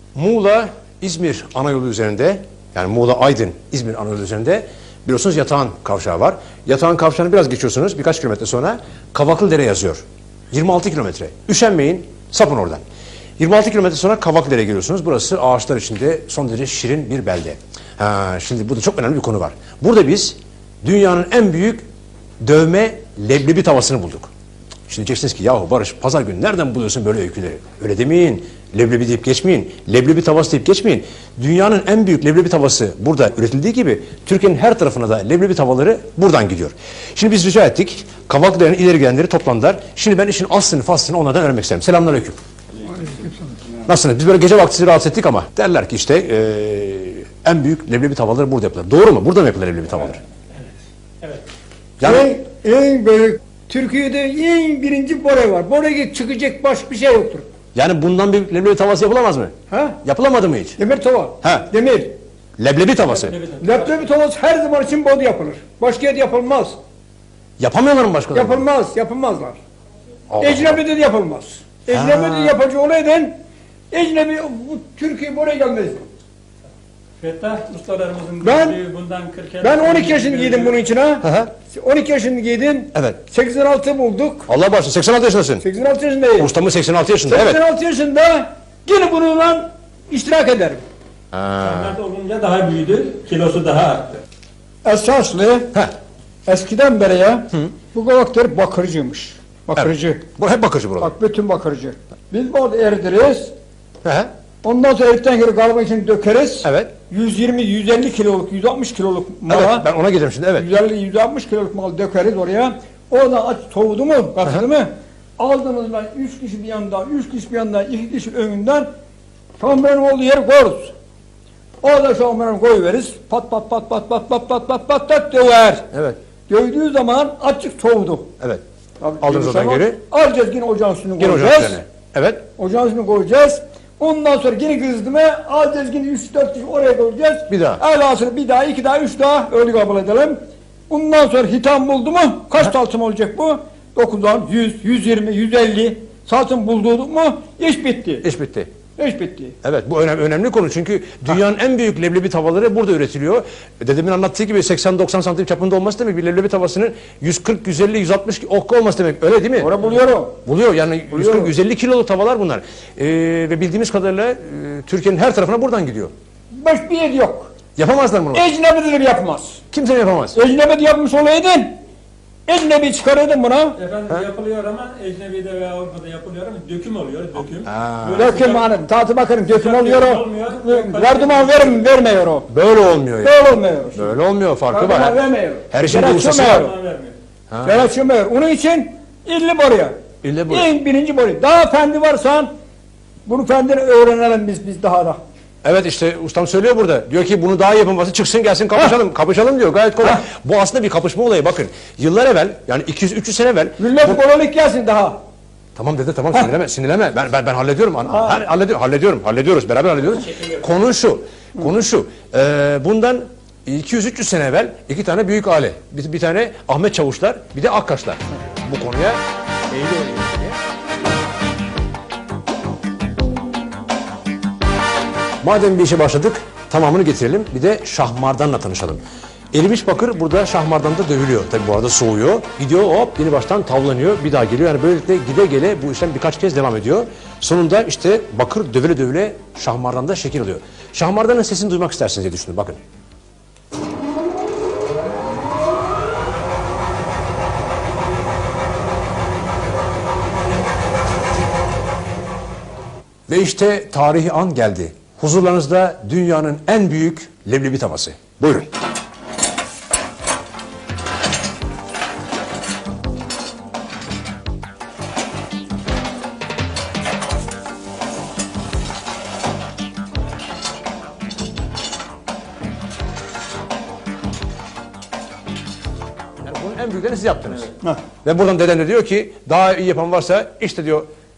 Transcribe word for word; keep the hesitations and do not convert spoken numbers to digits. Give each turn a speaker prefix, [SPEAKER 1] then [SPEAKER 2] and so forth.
[SPEAKER 1] Muğla İzmir ana yolu üzerinde, yani Muğla Aydın İzmir ana yolu üzerinde biliyorsunuz Yatağan Kavşağı var. Yatağan Kavşağı'nı biraz geçiyorsunuz, birkaç kilometre sonra Kavaklıdere yazıyor. yirmi altı kilometre. Üşenmeyin, sapın oradan. yirmi altı kilometre sonra Kavaklıdere'ye geliyorsunuz. Burası ağaçlar içinde son derece şirin bir belde. Ha, şimdi burada çok önemli bir konu var. Burada biz dünyanın en büyük dövme leblebi tavasını bulduk. Şimdi diyeceksiniz ki yahu Barış pazar günü nereden buluyorsun böyle öyküleri? Öyle demeyin. Leblebi deyip geçmeyin. Leblebi tavası deyip geçmeyin. Dünyanın en büyük leblebi tavası burada üretildiği gibi Türkiye'nin her tarafına da leblebi tavaları buradan gidiyor. Şimdi biz rica ettik. Kavaklıdere'nin ileri gelenleri toplandılar. Şimdi ben işin aslını faslını onlardan öğrenmek isterim. Selamünaleyküm. Nasılsınız? Biz böyle gece vakti sizi rahatsız ettik ama derler ki işte ee, en büyük leblebi tavaları burada yapılır. Doğru mu? Burada mı yapılır leblebi tavaları?
[SPEAKER 2] Evet. Evet.
[SPEAKER 1] Yani
[SPEAKER 3] En, en büyük Türkiye'de en birinci bora var. Boraya çıkacak başka bir şey yoktur.
[SPEAKER 1] yani bundan bir leblebi tavası yapılamaz mı?
[SPEAKER 3] Ha?
[SPEAKER 1] Yapılamadı mı hiç?
[SPEAKER 3] Demir tava.
[SPEAKER 1] Ha.
[SPEAKER 3] Demir.
[SPEAKER 1] Leblebi tavası.
[SPEAKER 3] Leblebi tavası her zaman için burada yapılır. Başka yerde yapılmaz.
[SPEAKER 1] Yapamıyorlar mı başkaları?
[SPEAKER 3] Yapılmaz. Yapılmazlar.
[SPEAKER 1] Allah
[SPEAKER 3] Ecnebi'de de yapılmaz. Ecnebi'de yapıcı olaydan Ecnebi bu Türkiye buraya gelmez.
[SPEAKER 2] Fettah ustalarımızın
[SPEAKER 3] Ben-
[SPEAKER 2] gördüğü bundan kırk
[SPEAKER 3] Ben on iki yaşını giydim bunun için ha.
[SPEAKER 1] hı.
[SPEAKER 3] on iki yaşını giydim.
[SPEAKER 1] Evet.
[SPEAKER 3] seksen altı bulduk.
[SPEAKER 1] Allah bağışlasın. seksen altı yaşındasın.
[SPEAKER 3] seksen altı yaşındayım.
[SPEAKER 1] Ustamız seksen altı yaşında. Evet.
[SPEAKER 3] seksen altı yaşında yine bununla iştirak ederim.
[SPEAKER 2] Standart olunca daha büyüdü, kilosu daha arttı.
[SPEAKER 3] Esaslı
[SPEAKER 1] Heh.
[SPEAKER 3] eskiden beri ya bu kavaklar bakırcıymış. Bakırcı.
[SPEAKER 1] Bu hep bakıcı buralar.
[SPEAKER 3] Bak bütün bakırcı. Biz burada eridiriz.
[SPEAKER 1] Hı hı.
[SPEAKER 3] Ondan sonra eridikten sonra galiba için dökeriz.
[SPEAKER 1] Evet.
[SPEAKER 3] yüz yirmi yüz elli kiloluk, yüz altmış kiloluk
[SPEAKER 1] Evet.
[SPEAKER 3] mala.
[SPEAKER 1] Ben ona giderim şimdi. Evet.
[SPEAKER 3] yüz elli yüz altmış kiloluk mal dökeriz oraya. Oradan aç soğudu mu, katıldı mı? Aldığımızda üç kişi bir yandan, üç kişi bir yandan, iki kişi önünden şampiyon olduğu yeri koyarız. Orada şampiyon koyuveririz. Pat pat pat pat pat pat pat pat pat pat döver.
[SPEAKER 1] Evet.
[SPEAKER 3] Dövdüğü zaman açık soğudu.
[SPEAKER 1] Evet.
[SPEAKER 3] Tabii
[SPEAKER 1] Aldınız
[SPEAKER 3] dövdüğü
[SPEAKER 1] oradan
[SPEAKER 3] zaman
[SPEAKER 1] geri.
[SPEAKER 3] Alacağız yine ocağın üstüne
[SPEAKER 1] Gene
[SPEAKER 3] koyacağız.
[SPEAKER 1] ocağın üzerine. Evet.
[SPEAKER 3] Ocağın üstüne koyacağız. Ondan sonra yine kızdı mı alacağız yine üç dört kişi oraya koyacağız.
[SPEAKER 1] Bir daha.
[SPEAKER 3] Elhasıl bir daha, iki daha, üç daha öyle kabul edelim. Bundan sonra hitam buldu mu kaç salçam olacak bu? dokuzdan yüz, yüz yirmi, yüz elli salçam bulduk mu iş bitti.
[SPEAKER 1] İş bitti.
[SPEAKER 3] İş bitti.
[SPEAKER 1] Evet, bu önemli, önemli konu çünkü dünyanın en büyük leblebi tavaları burada üretiliyor. Dedemin anlattığı gibi seksen doksan santim çapında olması demek bir leblebi tavasının yüz kırk yüz elli yüz altmış okka olması demek. Öyle değil mi?
[SPEAKER 3] Orada buluyorum.
[SPEAKER 1] Buluyor yani yüz
[SPEAKER 3] Buluyor.
[SPEAKER 1] kırk yüz elli kiloluk tavalar bunlar. Ee, ve bildiğimiz kadarıyla e, Türkiye'nin her tarafına buradan gidiyor.
[SPEAKER 3] Başka bir yer yok.
[SPEAKER 1] Yapamazlar bunu.
[SPEAKER 3] Ecnebi'de de yapmaz.
[SPEAKER 1] Kimse yapamaz.
[SPEAKER 3] Ecnebi'de yapmış olaydın Ecnebi çıkarırdın buna.
[SPEAKER 2] Efendim yapılıyor ama ecnebide veya Avrupa'da yapılıyor ama döküm oluyor, döküm. Böyle
[SPEAKER 3] Döküm
[SPEAKER 2] sıcak-
[SPEAKER 3] hanım, tatı bakarım döküm
[SPEAKER 2] sıcak
[SPEAKER 3] oluyor o.
[SPEAKER 2] olmuyor.
[SPEAKER 3] Verduman verim, vermiyor o.
[SPEAKER 1] Böyle olmuyor yani.
[SPEAKER 3] Böyle olmuyor.
[SPEAKER 1] Böyle olmuyor, farkı
[SPEAKER 3] Verduman
[SPEAKER 1] var.
[SPEAKER 3] vermiyor.
[SPEAKER 1] Her işin bir
[SPEAKER 3] Gerek
[SPEAKER 1] ustası
[SPEAKER 3] yok.
[SPEAKER 1] var.
[SPEAKER 2] Zaman vermiyor.
[SPEAKER 3] Gerekçemiyor. Onun için illi boruya.
[SPEAKER 1] İlle bu.
[SPEAKER 3] En birinci boruya. Daha fendi varsan bunu fendini öğrenelim biz biz daha da.
[SPEAKER 1] Evet işte ustam söylüyor burada. Diyor ki bunu daha iyi yapılması çıksın gelsin kapışalım. Kapışalım diyor gayet kolay. Bu aslında bir kapışma olayı bakın. Yıllar evvel yani iki yüz üç yüz sene evvel.
[SPEAKER 3] Millet borulik gelsin daha.
[SPEAKER 1] Tamam dede tamam sinirleme sinirleme. Ben ben ben hallediyorum. Ha. Hallediyorum, hallediyorum. Hallediyoruz. Beraber hallediyoruz. Konu şu. Konu şu. Ee, bundan iki yüz üç yüz sene evvel iki tane büyük aile. Bir, bir tane Ahmet Çavuşlar, bir de Akkaşlar. Bu konuya eğiliyor. Madem bir işe başladık, tamamını getirelim. Bir de şahmardanla tanışalım. Erimiş bakır burada şahmardanda dövülüyor. Tabi bu arada soğuyor. Gidiyor hop yeni baştan tavlanıyor. Bir daha geliyor. Yani böylelikle gide gele bu işlem birkaç kez devam ediyor. Sonunda işte bakır dövüle dövüle şahmardanda şekil alıyor. Şahmardanın sesini duymak istersiniz diye düşünün. Bakın. Ve işte tarihi an geldi. Huzurlarınızda dünyanın en büyük leblebi tavası. Buyurun. Yani bunun en büyüklerini siz yaptınız.
[SPEAKER 3] Heh.
[SPEAKER 1] Ve buradan deden de diyor ki daha iyi yapan varsa işte diyor